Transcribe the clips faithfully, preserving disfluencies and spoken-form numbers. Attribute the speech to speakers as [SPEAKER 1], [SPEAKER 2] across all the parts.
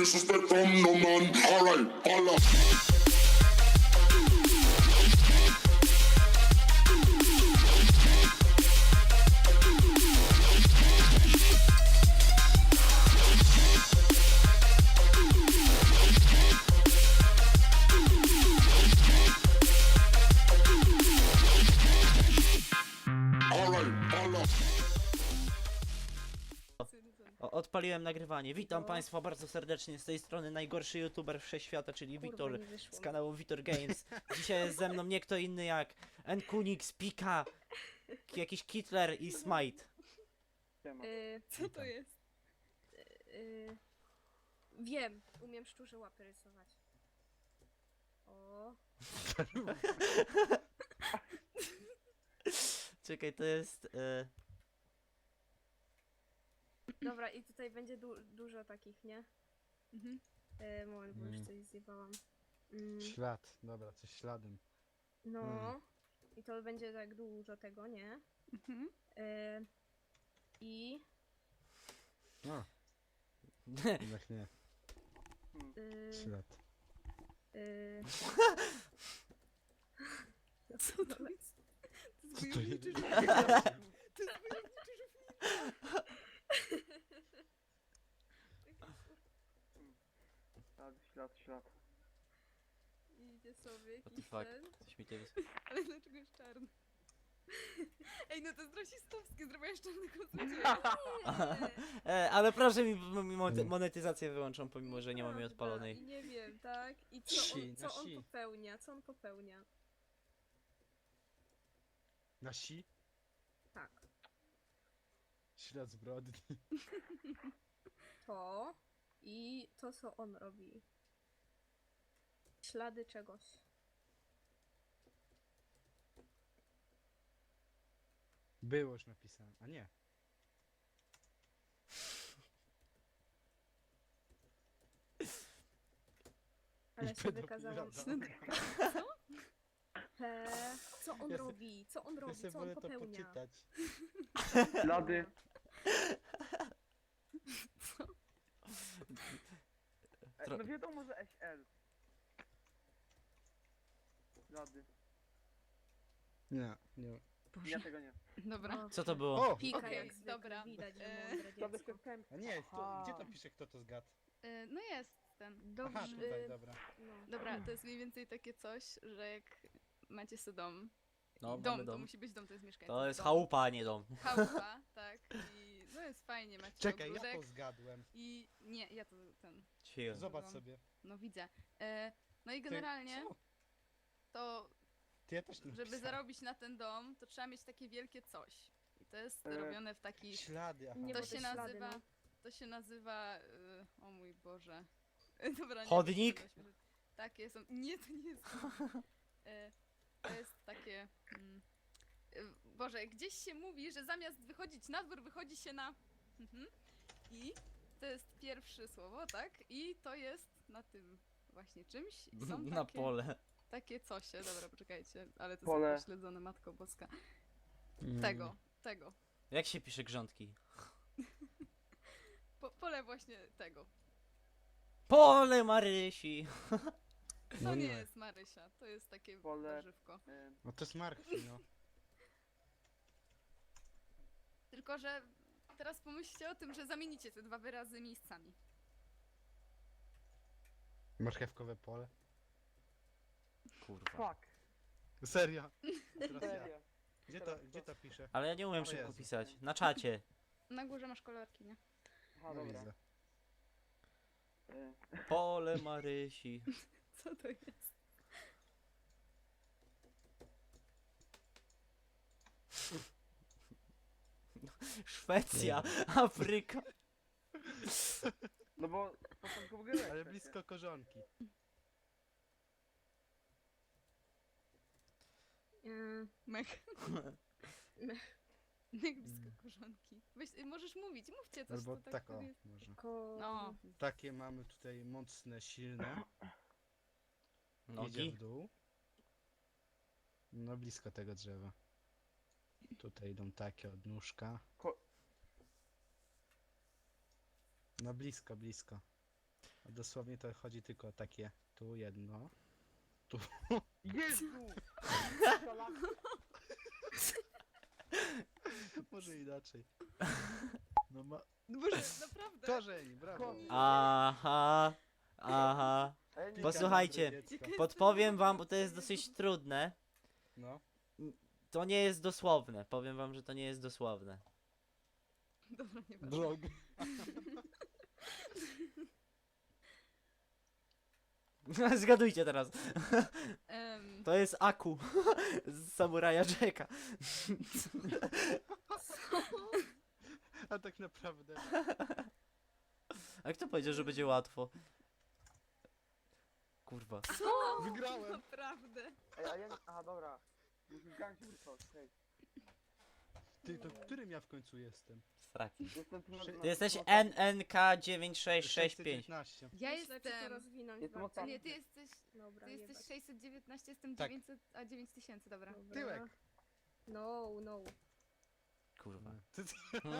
[SPEAKER 1] disrespect from no man. Alright, Allah. Alright, Allah.
[SPEAKER 2] O, odpaliłem nagrywanie. Witam Państwa bardzo serdecznie z tej strony najgorszy youtuber wszechświata, czyli
[SPEAKER 3] Kurwa,
[SPEAKER 2] Wiktor
[SPEAKER 3] nie wyszło
[SPEAKER 2] z
[SPEAKER 3] mi.
[SPEAKER 2] kanału Witor Games. Dzisiaj jest ze mną nie kto inny jak Nkunix, Pika, k- jakiś Kitler i Smite.
[SPEAKER 3] Y,
[SPEAKER 4] Co to jest?
[SPEAKER 3] y, wiem, umiem szczurze łapy rysować. O,
[SPEAKER 2] Czekaj, to jest... E...
[SPEAKER 3] dobra, i tutaj będzie du dużo takich, nie?
[SPEAKER 4] Mhm.
[SPEAKER 3] Y, moment, bo już
[SPEAKER 5] Mm.
[SPEAKER 3] coś zjebałam. Mm,
[SPEAKER 5] Ślad, dobra, coś śladem.
[SPEAKER 3] no,
[SPEAKER 5] Mm.
[SPEAKER 3] i to będzie tak dużo tego, nie?
[SPEAKER 4] Mhm.
[SPEAKER 3] Y, I...
[SPEAKER 5] No, jednak nie,
[SPEAKER 3] Y,
[SPEAKER 5] ślad.
[SPEAKER 3] y,
[SPEAKER 4] Co to jest? To jest
[SPEAKER 5] Co to
[SPEAKER 4] wojowniczy
[SPEAKER 5] jest?
[SPEAKER 4] żółwik. To jest wojowniczy żółwik.
[SPEAKER 6] Ślad, ślad, ślad.
[SPEAKER 3] I idzie sobie
[SPEAKER 2] What the
[SPEAKER 3] jakiś
[SPEAKER 2] fuck?
[SPEAKER 3] ten.
[SPEAKER 2] Coś mi to jest...
[SPEAKER 4] Ale dlaczego jest czarny? Ej, no to jest rasistowskie, zrobiłaś czarnego złodzieja.
[SPEAKER 2] E, ale proszę mi m- mo- monetyzację wyłączą, pomimo że nie mam jej
[SPEAKER 3] Prawda,
[SPEAKER 2] odpalonej.
[SPEAKER 3] I nie wiem, tak? I co
[SPEAKER 5] Si,
[SPEAKER 3] on,
[SPEAKER 5] na
[SPEAKER 3] co on
[SPEAKER 5] si.
[SPEAKER 3] popełnia? Co on popełnia?
[SPEAKER 5] Na si?
[SPEAKER 3] Tak.
[SPEAKER 5] Ślad zbrodni.
[SPEAKER 3] To i to, co on robi. Ślady czegoś.
[SPEAKER 5] Było już napisane, a nie.
[SPEAKER 3] Ale
[SPEAKER 5] I
[SPEAKER 3] się
[SPEAKER 5] pedofila
[SPEAKER 3] wykazałam.
[SPEAKER 5] dał.
[SPEAKER 3] He, co on
[SPEAKER 5] Ja se-
[SPEAKER 3] robi? Co on
[SPEAKER 5] Ja
[SPEAKER 3] robi?
[SPEAKER 5] sobie
[SPEAKER 3] Co on
[SPEAKER 5] wolę to
[SPEAKER 3] popełnia?
[SPEAKER 5] poczytać.
[SPEAKER 6] Ślady. E,
[SPEAKER 2] Tro-
[SPEAKER 6] No wiadomo, że S L. Ślady.
[SPEAKER 5] Nie, nie.
[SPEAKER 6] Ja tego nie.
[SPEAKER 4] Dobra.
[SPEAKER 3] O,
[SPEAKER 2] Co to było?
[SPEAKER 5] O!
[SPEAKER 3] Pika
[SPEAKER 4] Okej,
[SPEAKER 3] jak zwykle,
[SPEAKER 4] dobra.
[SPEAKER 3] widać, że
[SPEAKER 4] E,
[SPEAKER 3] mądre
[SPEAKER 6] Ślady
[SPEAKER 3] dziecko.
[SPEAKER 6] się
[SPEAKER 5] A nie, to, gdzie to pisze, kto to zgadł?
[SPEAKER 4] E, no jest ten.
[SPEAKER 3] Dobrze.
[SPEAKER 5] Aha, tutaj, dobra.
[SPEAKER 3] No.
[SPEAKER 4] Dobra, to jest mniej więcej takie coś, że jak macie sobie dom.
[SPEAKER 2] No,
[SPEAKER 4] i dom,
[SPEAKER 2] mamy
[SPEAKER 4] to
[SPEAKER 2] dom.
[SPEAKER 4] musi być dom, to jest mieszkanie.
[SPEAKER 2] To jest
[SPEAKER 4] dom.
[SPEAKER 2] chałupa, a nie dom.
[SPEAKER 4] Chałupa, tak. I no jest fajnie, macie
[SPEAKER 5] Czekaj, ja
[SPEAKER 4] ogródek.
[SPEAKER 5] to zgadłem.
[SPEAKER 4] I nie, ja to ten.
[SPEAKER 2] Cicho.
[SPEAKER 5] Zobacz
[SPEAKER 4] Dom.
[SPEAKER 5] sobie.
[SPEAKER 4] No widzę. E, no i
[SPEAKER 5] Ty-
[SPEAKER 4] generalnie
[SPEAKER 5] co?
[SPEAKER 4] to
[SPEAKER 5] Ty ja też nie
[SPEAKER 4] żeby
[SPEAKER 5] napisałem.
[SPEAKER 4] zarobić na ten dom, to trzeba mieć takie wielkie coś. I to jest
[SPEAKER 6] E,
[SPEAKER 4] robione w taki.
[SPEAKER 5] Ślady, aha.
[SPEAKER 3] Nie,
[SPEAKER 4] To
[SPEAKER 3] bo
[SPEAKER 4] się
[SPEAKER 3] te ślady,
[SPEAKER 4] nazywa.
[SPEAKER 3] no.
[SPEAKER 4] To się nazywa. y, o mój Boże. Dobra, nie
[SPEAKER 2] Chodnik?
[SPEAKER 4] wiem, co to jest. Takie są. Nie, to nie jest. E, to jest takie. Mm, y, Boże, gdzieś się mówi, że zamiast wychodzić na dwór, wychodzi się na. Mhm. I to jest pierwsze słowo, tak? I to jest na tym właśnie czymś. I są
[SPEAKER 2] Na
[SPEAKER 4] takie,
[SPEAKER 2] pole.
[SPEAKER 4] takie cosie. Dobra, poczekajcie, ale to
[SPEAKER 6] Pole.
[SPEAKER 4] jest pośledzone, Matko Boska.
[SPEAKER 5] Mm.
[SPEAKER 4] Tego, tego.
[SPEAKER 2] Jak się pisze grządki?
[SPEAKER 4] Po, pole właśnie tego.
[SPEAKER 2] Pole Marysi!
[SPEAKER 4] To
[SPEAKER 5] No
[SPEAKER 4] nie
[SPEAKER 5] nie.
[SPEAKER 4] jest Marysia, to jest takie
[SPEAKER 6] Pole.
[SPEAKER 4] warzywko.
[SPEAKER 6] E,
[SPEAKER 5] No to jest marchwi, no.
[SPEAKER 4] Tylko, że teraz pomyślcie o tym, że zamienicie te dwa wyrazy miejscami.
[SPEAKER 5] Marchewkowe pole.
[SPEAKER 2] Kurwa.
[SPEAKER 6] Fuck.
[SPEAKER 5] Serio. Teraz ja.
[SPEAKER 6] Serio.
[SPEAKER 5] Gdzie to, gdzie to pisze?
[SPEAKER 2] Ale ja nie umiem
[SPEAKER 5] O
[SPEAKER 2] szybko
[SPEAKER 5] Jezu.
[SPEAKER 2] pisać. Na czacie.
[SPEAKER 4] Na górze masz kolorki, nie?
[SPEAKER 6] Aha,
[SPEAKER 5] No
[SPEAKER 6] dobra.
[SPEAKER 5] widzę.
[SPEAKER 6] E,
[SPEAKER 2] Pole Marysi.
[SPEAKER 4] Co to jest?
[SPEAKER 2] Szwecja, Afryka.
[SPEAKER 6] No bo początku w ogóle
[SPEAKER 5] Ale blisko korzonki.
[SPEAKER 3] Y,
[SPEAKER 4] Mech.
[SPEAKER 3] Mech.
[SPEAKER 4] Jak blisko korzonki. Weź, y, możesz mówić, mówcie coś,
[SPEAKER 5] Albo
[SPEAKER 4] to tak,
[SPEAKER 5] tak, o,
[SPEAKER 4] powiedz.
[SPEAKER 5] może.
[SPEAKER 3] ko...
[SPEAKER 4] No,
[SPEAKER 5] Takie mamy tutaj mocne, silne. Idzie
[SPEAKER 2] Nogi.
[SPEAKER 5] w dół. No blisko tego drzewa. Tutaj idą takie odnóżka.
[SPEAKER 6] Ko-
[SPEAKER 5] No blisko, blisko. A dosłownie to chodzi tylko o takie, tu jedno.
[SPEAKER 6] Jezu!
[SPEAKER 5] Może inaczej. No ma...
[SPEAKER 4] No Boże, naprawdę.
[SPEAKER 5] Korzeń, brawo.
[SPEAKER 2] Aha, aha.
[SPEAKER 6] A ja nie
[SPEAKER 2] Posłuchajcie.
[SPEAKER 5] Dobre dziecko.
[SPEAKER 2] Podpowiem wam, bo to jest dosyć trudne.
[SPEAKER 5] No.
[SPEAKER 2] To nie jest dosłowne. Powiem wam, że to nie jest dosłowne.
[SPEAKER 4] Dobra, nie ma.
[SPEAKER 5] Blog.
[SPEAKER 2] Zgadujcie teraz.
[SPEAKER 4] Em,
[SPEAKER 2] To jest Aku z Samuraja Jacka.
[SPEAKER 5] A tak naprawdę.
[SPEAKER 2] A kto powiedział, że będzie łatwo? Kurwa.
[SPEAKER 5] Wygrałem.
[SPEAKER 4] Naprawdę.
[SPEAKER 6] Ej, a ja nie... Aha, dobra. Zgadzam się tylko, hej.
[SPEAKER 5] Ty, to którym ja w końcu jestem?
[SPEAKER 2] Straki.
[SPEAKER 6] Jestem tu na...
[SPEAKER 5] Ty
[SPEAKER 6] na-
[SPEAKER 2] Ty jesteś
[SPEAKER 6] na-
[SPEAKER 2] N N K dziewięć sześć sześć pięć.
[SPEAKER 5] dziewiętnaście.
[SPEAKER 4] Ja
[SPEAKER 3] Myślę, czy to
[SPEAKER 4] jestem...
[SPEAKER 3] rozwinąć
[SPEAKER 6] Jestem
[SPEAKER 3] bardziej.
[SPEAKER 6] ostatni.
[SPEAKER 4] Nie, ty jesteś...
[SPEAKER 3] Dobra,
[SPEAKER 4] Ty
[SPEAKER 3] nie
[SPEAKER 4] jesteś
[SPEAKER 3] bać.
[SPEAKER 4] sześćset dziewiętnaście, jestem
[SPEAKER 5] Tak.
[SPEAKER 4] dziewięćset, a dziewięć tysięcy, dobra.
[SPEAKER 3] Dobra.
[SPEAKER 5] Tyłek.
[SPEAKER 3] No, no.
[SPEAKER 2] Kurwa.
[SPEAKER 5] Ty, ty,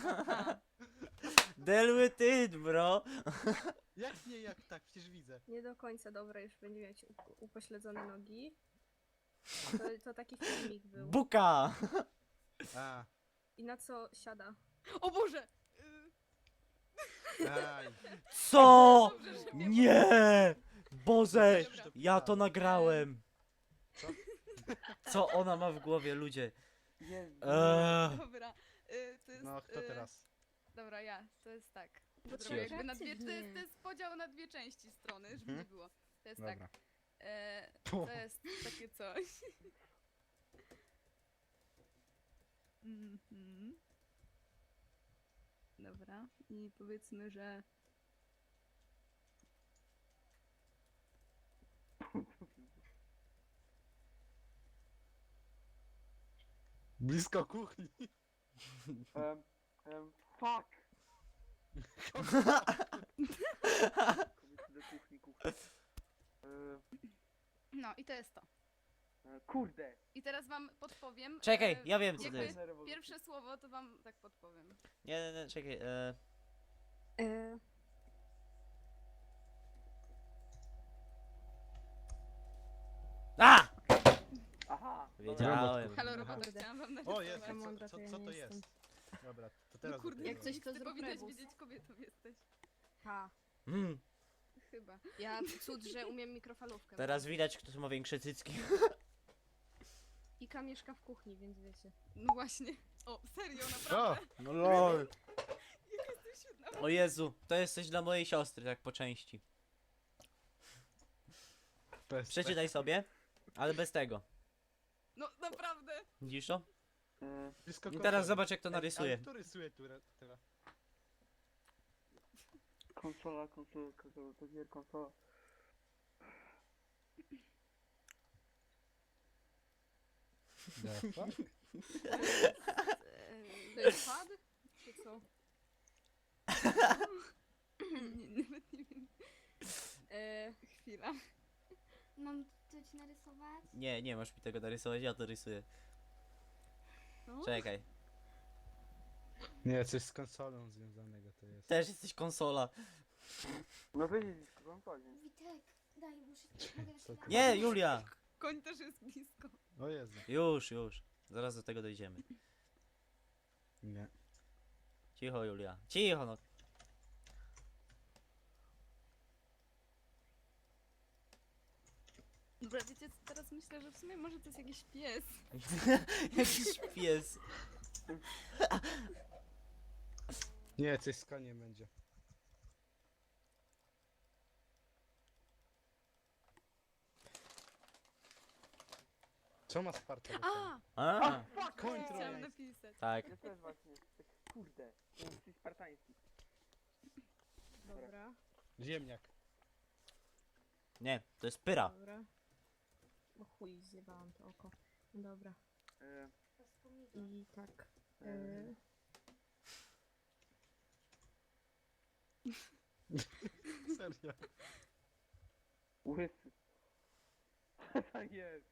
[SPEAKER 2] Deal with it, bro.
[SPEAKER 5] jak nie, jak tak? Przecież widzę.
[SPEAKER 3] Nie do końca, dobra, już będzie mieć up- upośledzone nogi. To, to taki filmik był.
[SPEAKER 2] Buka.
[SPEAKER 5] A,
[SPEAKER 3] I na co siada?
[SPEAKER 4] O Boże! Y,
[SPEAKER 5] aj.
[SPEAKER 2] Co?
[SPEAKER 4] dobrze, że mnie-
[SPEAKER 2] Nie! Boże!
[SPEAKER 4] Dobra.
[SPEAKER 2] Ja to nagrałem.
[SPEAKER 5] Co?
[SPEAKER 2] Co ona ma w głowie, ludzie?
[SPEAKER 6] Jezu.
[SPEAKER 2] Eee.
[SPEAKER 4] Dobra. Y, to jest,
[SPEAKER 5] No, kto
[SPEAKER 4] y,
[SPEAKER 5] teraz?
[SPEAKER 4] Dobra, ja. To jest tak.
[SPEAKER 3] Bo
[SPEAKER 4] Zrobię
[SPEAKER 2] trzeba
[SPEAKER 4] jakby na dwie, to,
[SPEAKER 3] kreatywnie.
[SPEAKER 4] jest, to jest podział na dwie części strony, żeby
[SPEAKER 5] Mhm.
[SPEAKER 4] nie było. To jest
[SPEAKER 5] Dobra.
[SPEAKER 4] tak. E,
[SPEAKER 5] Puh.
[SPEAKER 4] to jest takie coś. Mhm. Dobra. I powiedzmy, że...
[SPEAKER 5] Blisko kuchni.
[SPEAKER 6] Um, um, fuck! Kobiety do kuchni, kuchni. E,
[SPEAKER 4] No i to jest to.
[SPEAKER 6] e, kurde!
[SPEAKER 4] I teraz wam podpowiem.
[SPEAKER 2] Czekaj,
[SPEAKER 4] e,
[SPEAKER 2] ja wiem, co to
[SPEAKER 4] jakby
[SPEAKER 2] jest.
[SPEAKER 4] Pierwsze słowo to wam tak podpowiem.
[SPEAKER 2] Nie, nie, nie, czekaj. E...
[SPEAKER 3] E,
[SPEAKER 2] A!
[SPEAKER 6] Aha!
[SPEAKER 2] Wiedziałem.
[SPEAKER 4] Halo robota,
[SPEAKER 3] Kurde.
[SPEAKER 4] chciałam wam
[SPEAKER 5] O,
[SPEAKER 4] narysować.
[SPEAKER 5] jest.
[SPEAKER 3] Taka
[SPEAKER 5] Co,
[SPEAKER 3] mądra,
[SPEAKER 5] co,
[SPEAKER 3] to ja
[SPEAKER 5] co
[SPEAKER 3] nie
[SPEAKER 5] to
[SPEAKER 3] jestem.
[SPEAKER 5] jest? Dobra, to
[SPEAKER 4] No
[SPEAKER 5] teraz
[SPEAKER 4] kurde,
[SPEAKER 5] dopiero.
[SPEAKER 3] Jak coś, to
[SPEAKER 4] ty
[SPEAKER 3] zrób
[SPEAKER 4] powinnaś
[SPEAKER 3] rebus.
[SPEAKER 4] wiedzieć, kobietą jesteś.
[SPEAKER 3] ha.
[SPEAKER 2] Mm,
[SPEAKER 4] Chyba.
[SPEAKER 3] Ja cud, że umiem mikrofalówkę.
[SPEAKER 2] teraz widać, kto tu ma większe cycki.
[SPEAKER 3] Ika mieszka w kuchni, więc wiecie.
[SPEAKER 4] No właśnie. O, serio, naprawdę.
[SPEAKER 5] O!
[SPEAKER 2] No lol.
[SPEAKER 4] Jak jesteś świetna.
[SPEAKER 2] O Jezu, to jest coś dla mojej siostry, tak po części.
[SPEAKER 5] Bez
[SPEAKER 2] Przeczytaj sobie, ale bez tego.
[SPEAKER 4] No naprawdę.
[SPEAKER 2] Widzisz to?
[SPEAKER 6] E,
[SPEAKER 5] Blisko
[SPEAKER 2] I
[SPEAKER 5] kochani.
[SPEAKER 2] teraz zobacz, jak to
[SPEAKER 5] Ej,
[SPEAKER 2] narysuje.
[SPEAKER 5] Ale kto rysuje tu re- teraz?
[SPEAKER 6] konsola, konsola, konsola, to gier, konsola.
[SPEAKER 5] The fuck?
[SPEAKER 3] To jest pad? Czy co?
[SPEAKER 4] Nie, nawet nie wiem.
[SPEAKER 3] E,
[SPEAKER 4] Chwila.
[SPEAKER 7] Mam coś narysować?
[SPEAKER 2] Nie, nie masz mi tego narysować, ja to rysuję.
[SPEAKER 4] No.
[SPEAKER 2] Czekaj.
[SPEAKER 5] Nie, coś z konsolą związanego to jest.
[SPEAKER 2] Też jesteś konsola.
[SPEAKER 6] No wiedzieć, konsolę.
[SPEAKER 7] Witek, daj, muszę... Mogę jeszcze
[SPEAKER 5] Co
[SPEAKER 7] raz?
[SPEAKER 5] ty?
[SPEAKER 2] Nie, Julia!
[SPEAKER 4] Koń też jest blisko.
[SPEAKER 5] O Jezu.
[SPEAKER 2] Już, już. Zaraz do tego dojdziemy.
[SPEAKER 5] Nie.
[SPEAKER 2] Cicho, Julia. Cicho, no.
[SPEAKER 4] Dobra, wiecie, co, teraz myślę, że w sumie może to jest jakiś pies.
[SPEAKER 2] Jakiś pies.
[SPEAKER 5] Nie, coś z koniem będzie. Co ma Sparta? do tego?
[SPEAKER 4] A!
[SPEAKER 2] A,
[SPEAKER 5] Koń
[SPEAKER 4] Chciałam
[SPEAKER 5] trojański.
[SPEAKER 4] napisać.
[SPEAKER 2] tak.
[SPEAKER 6] Ja też właśnie, tak, kurde. Jesteś spartański.
[SPEAKER 3] dobra,
[SPEAKER 5] Ziemniak.
[SPEAKER 2] Nie, to jest pyra.
[SPEAKER 3] dobra. O chuj, zjebałam to oko. Dobra.
[SPEAKER 6] E,
[SPEAKER 7] To jest pomidor.
[SPEAKER 3] I tak. E,
[SPEAKER 5] Serio.
[SPEAKER 6] łysy. Co to jest?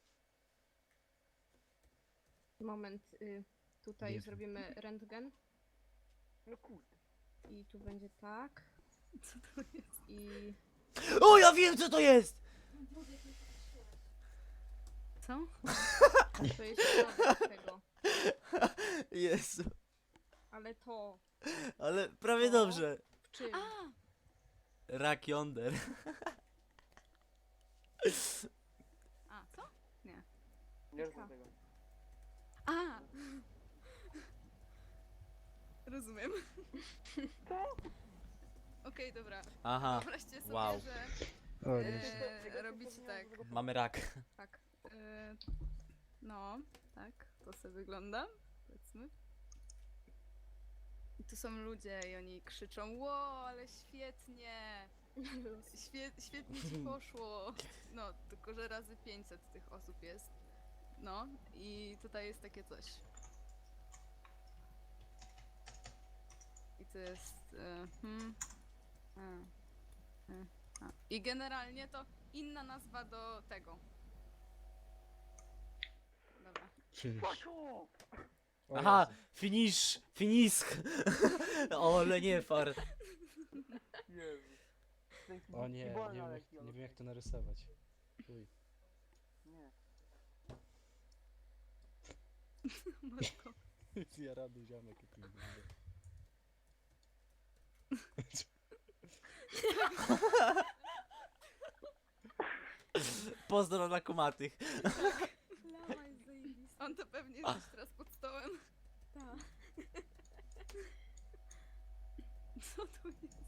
[SPEAKER 3] moment. Y, tutaj
[SPEAKER 5] Nie wiem.
[SPEAKER 3] zrobimy rentgen.
[SPEAKER 6] No kurde.
[SPEAKER 3] I tu będzie tak.
[SPEAKER 4] Co to jest?
[SPEAKER 3] I...
[SPEAKER 2] O, ja wiem co to jest!
[SPEAKER 7] Boże, jak mnie popatrzyłaś.
[SPEAKER 4] Co?
[SPEAKER 3] To jest środek tego.
[SPEAKER 2] Jezu,
[SPEAKER 3] Ale to...
[SPEAKER 2] ale prawie
[SPEAKER 3] O.
[SPEAKER 2] dobrze.
[SPEAKER 3] W czym?
[SPEAKER 4] A!
[SPEAKER 2] Rak yonder.
[SPEAKER 4] A, co? Nie.
[SPEAKER 6] Nie rozumiem tego.
[SPEAKER 4] A! Rozumiem. Okej, dobra.
[SPEAKER 2] Aha,
[SPEAKER 4] Wyobraźcie sobie,
[SPEAKER 2] wow.
[SPEAKER 4] że
[SPEAKER 5] O,
[SPEAKER 4] e, robicie tak.
[SPEAKER 2] mamy rak.
[SPEAKER 4] Tak. E, no, tak. To sobie wygląda. Powiedzmy. I tu są ludzie i oni krzyczą: Ło, ale świetnie! Świe, świetnie ci poszło! No, tylko że razy pięćset tych osób jest. No, i tutaj jest takie coś. I to jest. E, hmm, a, e, a. I generalnie to inna nazwa do tego. Dobra.
[SPEAKER 5] Finish.
[SPEAKER 6] Płaczu!
[SPEAKER 5] O
[SPEAKER 2] Aha,
[SPEAKER 5] Jezu.
[SPEAKER 2] finish, finisk. O, ale nie fart.
[SPEAKER 6] Jezu. To jest
[SPEAKER 5] O nie, nie
[SPEAKER 6] wolna
[SPEAKER 5] wiem, jak,
[SPEAKER 6] lekcja,
[SPEAKER 5] nie wiem jak to narysować. Uj.
[SPEAKER 6] Nie.
[SPEAKER 4] Matko.
[SPEAKER 5] Zjarany ziomek jak mi wygląda.
[SPEAKER 2] Pozdro na kumatych.
[SPEAKER 3] Lama jest zajebista.
[SPEAKER 4] On to pewnie jest teraz pod stołem.
[SPEAKER 3] Ta.
[SPEAKER 4] Co to jest?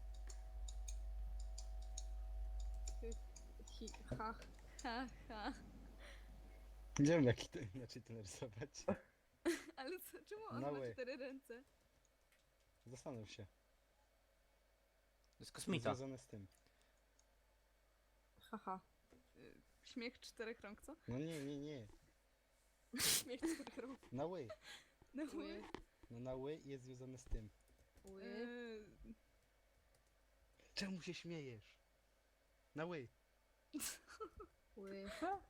[SPEAKER 3] Hi, ha.
[SPEAKER 4] Ha, ha.
[SPEAKER 5] Nie wiem jak to inaczej to narysować.
[SPEAKER 4] Ale co, czemu on
[SPEAKER 5] No
[SPEAKER 4] ma
[SPEAKER 5] way.
[SPEAKER 4] cztery ręce?
[SPEAKER 5] Zastanów się.
[SPEAKER 2] To jest kosmita.
[SPEAKER 5] Związane z tym.
[SPEAKER 3] Haha.
[SPEAKER 4] Y, Śmiech czterech rąk, co?
[SPEAKER 5] No nie, nie, nie.
[SPEAKER 3] Śmiech czterech rąk.
[SPEAKER 5] Na ły.
[SPEAKER 4] No
[SPEAKER 3] Ły.
[SPEAKER 5] No na ły jest związane z tym.
[SPEAKER 3] Ły.
[SPEAKER 4] y,
[SPEAKER 5] Czemu się śmiejesz? Na ły.
[SPEAKER 3] Ły.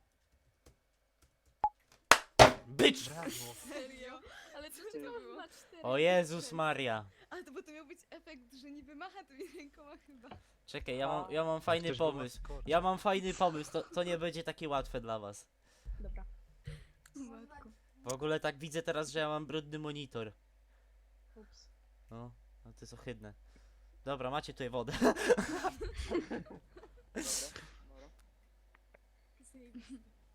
[SPEAKER 2] Bycz!
[SPEAKER 5] Brawo.
[SPEAKER 4] Serio? Ale co to było?
[SPEAKER 3] Ma cztery
[SPEAKER 2] O Jezus
[SPEAKER 3] ręce.
[SPEAKER 2] Maria.
[SPEAKER 4] Ale to bo to miał być efekt, że niby macha tymi rękoma chyba.
[SPEAKER 2] Czekaj, ja mam, ja mam fajny
[SPEAKER 5] Ktoś do was
[SPEAKER 2] pomysł.
[SPEAKER 5] skoczy.
[SPEAKER 2] Ja mam fajny pomysł, to, to nie będzie takie łatwe dla was.
[SPEAKER 3] Dobra.
[SPEAKER 4] Matko.
[SPEAKER 2] W ogóle tak widzę teraz, że ja mam brudny monitor.
[SPEAKER 3] Ups.
[SPEAKER 2] No, no to jest ohydne. Dobra, macie tutaj wodę.
[SPEAKER 6] Dobra, dobra.
[SPEAKER 3] Zajebista.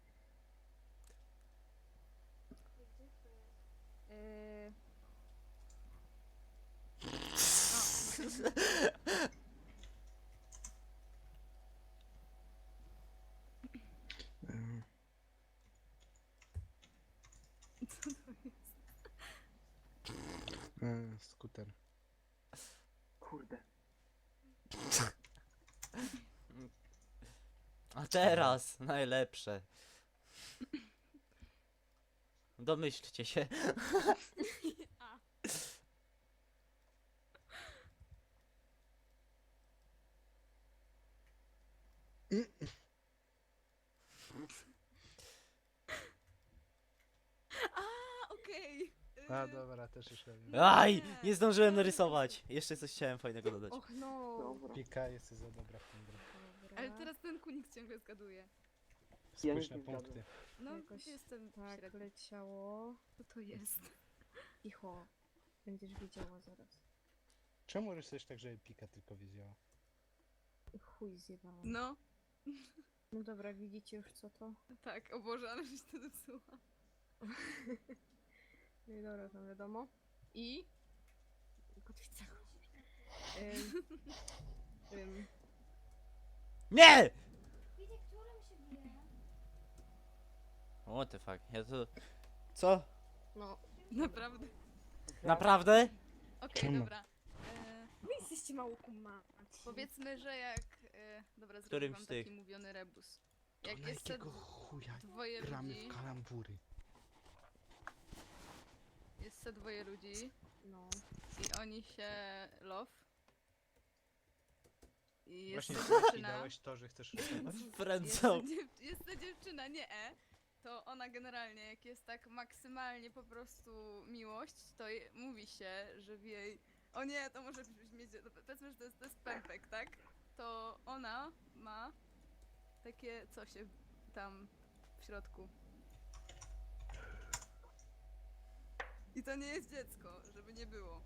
[SPEAKER 3] Eee,
[SPEAKER 5] Mm.
[SPEAKER 4] Co to jest?
[SPEAKER 5] E, skuter.
[SPEAKER 6] Kurde.
[SPEAKER 2] A teraz, najlepsze. Domyślcie się.
[SPEAKER 4] A. A, okej.
[SPEAKER 5] A
[SPEAKER 4] Y,
[SPEAKER 5] dobra, też już wiem.
[SPEAKER 2] Aj, nie zdążyłem narysować. Jeszcze coś chciałem fajnego dodać.
[SPEAKER 3] och no.
[SPEAKER 6] Dobra.
[SPEAKER 5] Pika jest za dobra w tym grę.
[SPEAKER 3] Dobra.
[SPEAKER 4] Ale teraz ten kunik ciągle zgaduje.
[SPEAKER 6] Ja
[SPEAKER 5] Spójrz
[SPEAKER 6] nic
[SPEAKER 5] na
[SPEAKER 6] nie
[SPEAKER 5] punkty.
[SPEAKER 6] zgadzam.
[SPEAKER 4] No,
[SPEAKER 3] Jakoś
[SPEAKER 4] jestem
[SPEAKER 3] Tak
[SPEAKER 4] średnio.
[SPEAKER 3] leciało.
[SPEAKER 4] Co to jest?
[SPEAKER 3] Cicho. Będziesz wiedziała zaraz.
[SPEAKER 5] Czemu rysujesz tak, żeby Pika tylko wiedziała?
[SPEAKER 3] Chuj zjebałam.
[SPEAKER 4] No,
[SPEAKER 3] No dobra, widzicie już co to?
[SPEAKER 4] tak, o Boże, ale żeś to zepsuła.
[SPEAKER 3] No i dobra, to wiadomo. I... Kotwica. Ym, ym,
[SPEAKER 2] Nie!
[SPEAKER 7] Wiecie, którym się bije?
[SPEAKER 2] What the fuck, ja to... Co?
[SPEAKER 3] no.
[SPEAKER 4] Naprawdę.
[SPEAKER 2] Naprawdę?
[SPEAKER 4] Okej,
[SPEAKER 5] Czemu?
[SPEAKER 4] dobra. E,
[SPEAKER 3] Wy jesteście mało kumaci.
[SPEAKER 4] powiedzmy, że jak... E, dobra, zrobię
[SPEAKER 2] Którym
[SPEAKER 4] wam
[SPEAKER 2] z tych?
[SPEAKER 4] taki mówiony rebus.
[SPEAKER 5] To
[SPEAKER 4] Jak
[SPEAKER 5] na
[SPEAKER 4] jest te
[SPEAKER 5] jakiego chuja
[SPEAKER 4] dwoje
[SPEAKER 5] gramy
[SPEAKER 4] ludzi,
[SPEAKER 5] w kalambury?
[SPEAKER 4] jest te dwoje ludzi
[SPEAKER 3] No.
[SPEAKER 4] i oni się love. I jest
[SPEAKER 5] Właśnie
[SPEAKER 4] ta
[SPEAKER 5] Saki
[SPEAKER 4] dziewczyna,
[SPEAKER 5] dałeś to, że chcesz rysować?
[SPEAKER 4] jest ta,
[SPEAKER 2] Friendzone.
[SPEAKER 4] dziew, jest ta dziewczyna, nie E, to ona generalnie, jak jest tak maksymalnie po prostu miłość, to je, mówi się, że w jej O nie, to może mieć... no, Powiedzmy, że to jest, to jest pępek, tak? To ona ma takie coś tam w środku. I to nie jest dziecko, żeby nie było.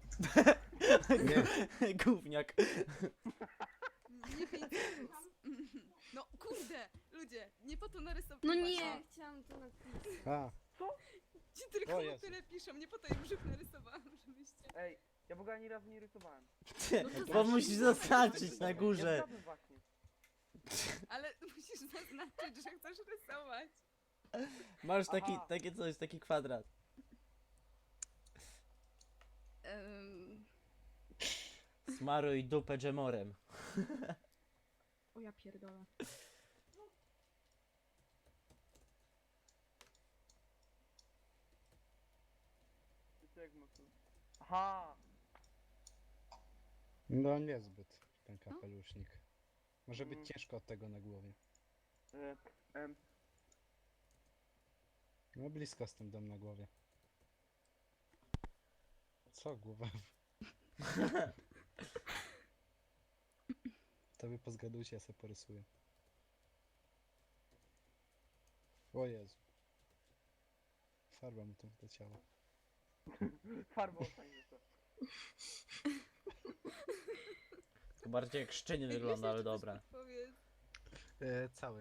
[SPEAKER 2] Gówniak.
[SPEAKER 4] Nie pięć. No kurde, ludzie, nie po to narysowałam.
[SPEAKER 3] No nie, chciałam to napisać.
[SPEAKER 5] A,
[SPEAKER 4] Ci
[SPEAKER 5] O
[SPEAKER 4] tylko
[SPEAKER 5] Jezu.
[SPEAKER 4] tyle piszą, nie po to im brzuch narysowałam, żebyście...
[SPEAKER 6] Ej, ja w ogóle ani razu nie rysowałem.
[SPEAKER 2] Bo musisz zaznaczyć na
[SPEAKER 6] Ja
[SPEAKER 2] górze.
[SPEAKER 6] zgadłem właśnie.
[SPEAKER 4] Ale musisz zaznaczyć, że chcesz rysować.
[SPEAKER 2] Masz taki,
[SPEAKER 6] Aha.
[SPEAKER 2] takie coś, taki kwadrat.
[SPEAKER 4] Um,
[SPEAKER 2] Smaruj dupę dżemorem.
[SPEAKER 3] O ja pierdolę.
[SPEAKER 6] Ty jak mocno. Aha!
[SPEAKER 5] no niezbyt ten
[SPEAKER 4] No.
[SPEAKER 5] kapelusznik. Może być
[SPEAKER 6] Mm.
[SPEAKER 5] ciężko od tego na głowie.
[SPEAKER 6] E, em,
[SPEAKER 5] No blisko z tym dom na głowie. Co głowa? To wy pozgadujcie, ja sobie porysuję. O Jezu. Farba mu tam wleciała.
[SPEAKER 6] farbą fajnie to.
[SPEAKER 2] To bardziej jak szczenie wygląda, ale dobra.
[SPEAKER 4] Powiedz.
[SPEAKER 5] E, cały.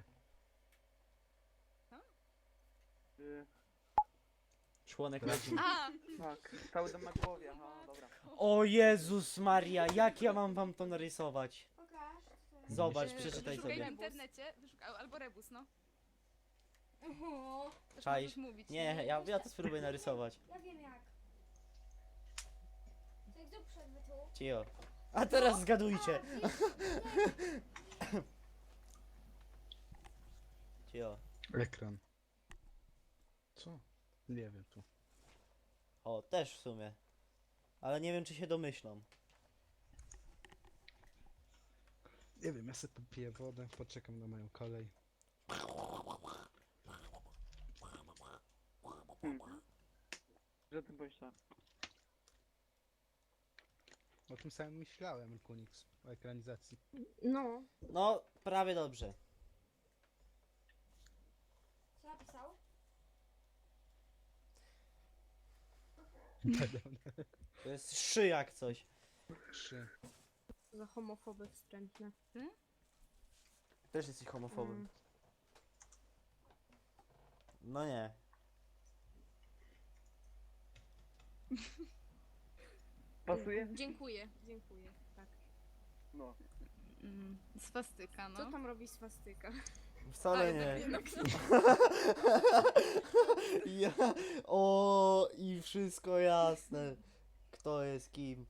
[SPEAKER 6] E,
[SPEAKER 2] Członek na
[SPEAKER 4] A!
[SPEAKER 6] tak, cały dom na głowie, aha, dobra.
[SPEAKER 2] O Jezus Maria, jak ja mam wam to narysować?
[SPEAKER 7] Pokaż. co to jest.
[SPEAKER 2] Zobacz,
[SPEAKER 4] e,
[SPEAKER 2] przeczytaj
[SPEAKER 4] Wyszukaj w
[SPEAKER 2] sobie.
[SPEAKER 4] internecie, wyszukaj, albo rebus, no.
[SPEAKER 7] Oho,
[SPEAKER 4] Też
[SPEAKER 2] Czaisz?
[SPEAKER 4] możesz mówić.
[SPEAKER 2] Nie, ja, ja to spróbuję narysować.
[SPEAKER 7] ja wiem jak. To jak zrób przed tu.
[SPEAKER 2] Cio. A teraz zgadujcie.
[SPEAKER 7] A, widzisz?
[SPEAKER 2] Cio.
[SPEAKER 5] Ekran. Co? Nie wiem tu.
[SPEAKER 2] O, też w sumie. Ale nie wiem, czy się domyślą.
[SPEAKER 5] Nie wiem, ja sobie popiję wodę, poczekam na moją kolej.
[SPEAKER 6] Hmm. Że o tym pomyślałem.
[SPEAKER 5] O tym samym myślałem, Kunix, o ekranizacji.
[SPEAKER 3] No.
[SPEAKER 2] No, prawie dobrze.
[SPEAKER 7] Co napisał?
[SPEAKER 2] To jest szy jak coś.
[SPEAKER 5] Trzy.
[SPEAKER 3] Za homofoby wstrętne.
[SPEAKER 2] Też jesteś homofobem.
[SPEAKER 3] Mm.
[SPEAKER 2] No nie.
[SPEAKER 6] Pasuje?
[SPEAKER 3] Dziękuję, dziękuję. Tak.
[SPEAKER 6] No.
[SPEAKER 4] Mm, swastyka, no.
[SPEAKER 3] Co tam robi swastyka?
[SPEAKER 2] Wcale
[SPEAKER 4] Ale
[SPEAKER 2] nie.
[SPEAKER 4] jednak no.
[SPEAKER 2] Ja. O, i wszystko jasne. Kto jest kim.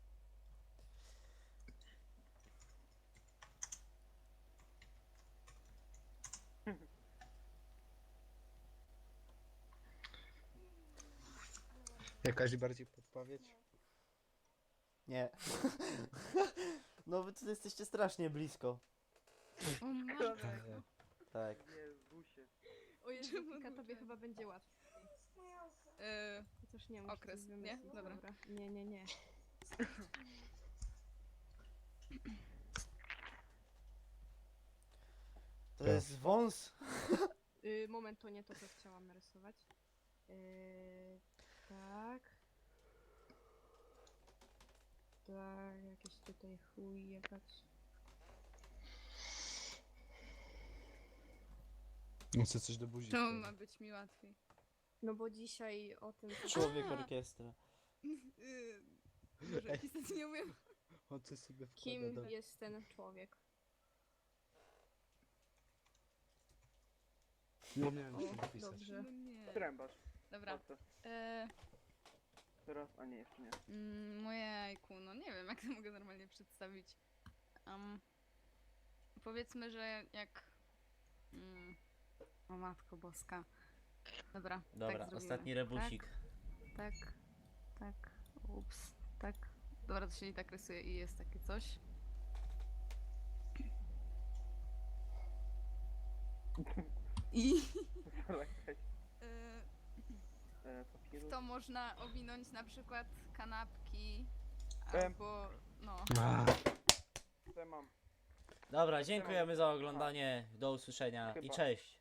[SPEAKER 5] Jakaś bardziej podpowiedź?
[SPEAKER 2] Nie. No wy tu jesteście strasznie blisko.
[SPEAKER 4] O matko.
[SPEAKER 5] E,
[SPEAKER 2] Tak.
[SPEAKER 6] Jezusie.
[SPEAKER 3] O Jezu,
[SPEAKER 4] Czemu
[SPEAKER 3] Kika,
[SPEAKER 4] duże?
[SPEAKER 3] tobie chyba będzie łatwiej.
[SPEAKER 4] E,
[SPEAKER 3] Chociaż nie, muszę
[SPEAKER 4] Okres,
[SPEAKER 3] coś
[SPEAKER 4] nie?
[SPEAKER 3] wymyślić.
[SPEAKER 4] Dobra.
[SPEAKER 3] Nie, nie, nie.
[SPEAKER 2] To jest wąs?
[SPEAKER 3] Y, moment, to nie to, co chciałam narysować. Y, tak. Tak, jakiś tutaj chuj jechać.
[SPEAKER 5] no chcę coś do buzi.
[SPEAKER 4] to
[SPEAKER 5] wkładać.
[SPEAKER 4] ma być mi łatwiej.
[SPEAKER 3] No bo dzisiaj o tym...
[SPEAKER 2] Człowiek
[SPEAKER 4] A.
[SPEAKER 2] orkiestra.
[SPEAKER 4] Yy, Może
[SPEAKER 5] Ej.
[SPEAKER 4] pisać nie umiem.
[SPEAKER 5] On coś sobie wkłada
[SPEAKER 3] Kim
[SPEAKER 5] do...
[SPEAKER 3] jest ten człowiek?
[SPEAKER 5] Nie miałem już
[SPEAKER 3] O,
[SPEAKER 5] to napisać.
[SPEAKER 3] dobrze.
[SPEAKER 4] No nie.
[SPEAKER 6] Trębasz.
[SPEAKER 4] Dobra.
[SPEAKER 6] Patrzę.
[SPEAKER 4] E,
[SPEAKER 6] Teraz, a nie, jeszcze nie.
[SPEAKER 4] mm, moje jajku, no nie wiem jak to mogę normalnie przedstawić. Um, powiedzmy, że jak... Mm, o matko boska. Dobra,
[SPEAKER 2] Dobra,
[SPEAKER 4] tak zrobimy.
[SPEAKER 2] ostatni rebusik.
[SPEAKER 4] Tak, tak, tak, ups, tak. Dobra, to się i tak rysuje i jest takie coś. I
[SPEAKER 6] Jakaś,
[SPEAKER 4] e,
[SPEAKER 6] e, papieru.
[SPEAKER 4] to można owinąć na przykład kanapki
[SPEAKER 6] Em.
[SPEAKER 4] Bo, no.
[SPEAKER 5] A,
[SPEAKER 6] Co ja mam?
[SPEAKER 2] Dobra, dziękujemy za oglądanie. Do usłyszenia i
[SPEAKER 6] Chyba.
[SPEAKER 2] cześć.